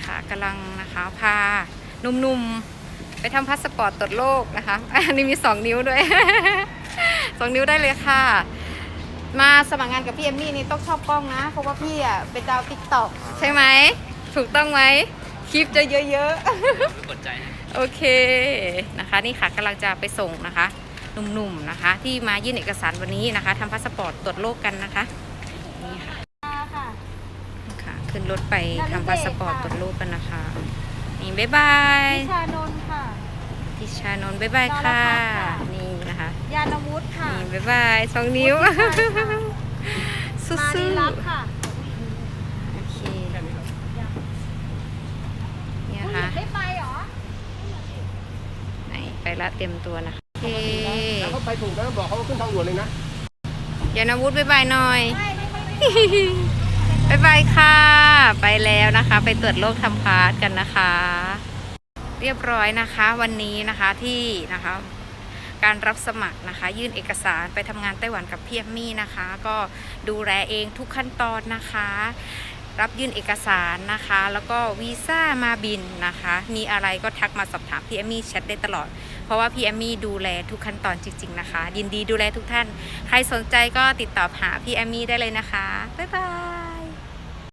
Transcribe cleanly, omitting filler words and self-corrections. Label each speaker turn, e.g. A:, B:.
A: ค่ะกำลังนะคะพาหนุ่มๆไปทำพาสปอร์ตตรวจโรคนะคะอันนี้มี2 นิ้วด้วย 2 นิ้วได้เลยค่ะมาสมัครงานกับพี่เอมมี่นี่ต้องชอบกล้องนะเพราะว่าพี่อ่ะเป็นดาวติ๊กต็อกใช่ไหมถูกต้องไหมคลิปจะเยอะๆ
B: กดใจนะ
A: โอเคนะคะนี่ค่ะกำลังจะไปส่งนะคะหนุ่มๆนะคะที่มายื่นเอกสารวันนี้นะคะทำพาสปอร์ตตรวจโรคกันนะคะนี่ค่ะ
C: ค่ะ
A: ค่ะขึ้นรถไปทำพาสปอร์ตตรวจโรคกันนะคะนี่บ๊ายบาย
C: วิชานนท์ค่ะ
A: ทิชานนท์บ๊ายบายค่ะ
C: นรพัฒน์ค่ะ
A: นี่นะคะ
C: ยานวุฒิค่ะ
A: นี่บ๊ายบาย2 นิ้ว สู้
C: มาดีรักค่ะ
A: ๆโอเคเนี่ย
C: ผู้หญิ
A: ค่ะ
C: งได้ไปเหรอ
A: ไหนไปละเตรียมตัวนะคะโอเค
D: แล้วเขาไปถูกนะบอกเขาขึ้นทางด่วนเลยนะ
A: ยานวุฒิบ๊ายบายหน่อย
C: ไม่
A: บ๊ายบายค่ะ ไปแล้วนะคะ ไปตรวจโรคทำพาสกันนะคะ เรียบร้อยนะคะวันนี้นะคะที่นะคะการรับสมัครนะคะ ยื่นเอกสารไปทำงานไต้หวันกับพี่เอมมี่นะคะ ก็ดูแลเองทุกขั้นตอนนะคะ รับยื่นเอกสารนะคะ แล้วก็วีซ่ามาบินนะคะ มีอะไรก็ทักมาสอบถามพี่เอมมี่แชทได้ตลอด เพราะว่าพี่เอมมี่ดูแลทุกขั้นตอนจริงๆนะคะ ยินดีดูแลทุกท่าน ใครสนใจก็ติดต่อหาพี่เอมมี่ได้เลยนะคะบ๊ายบาย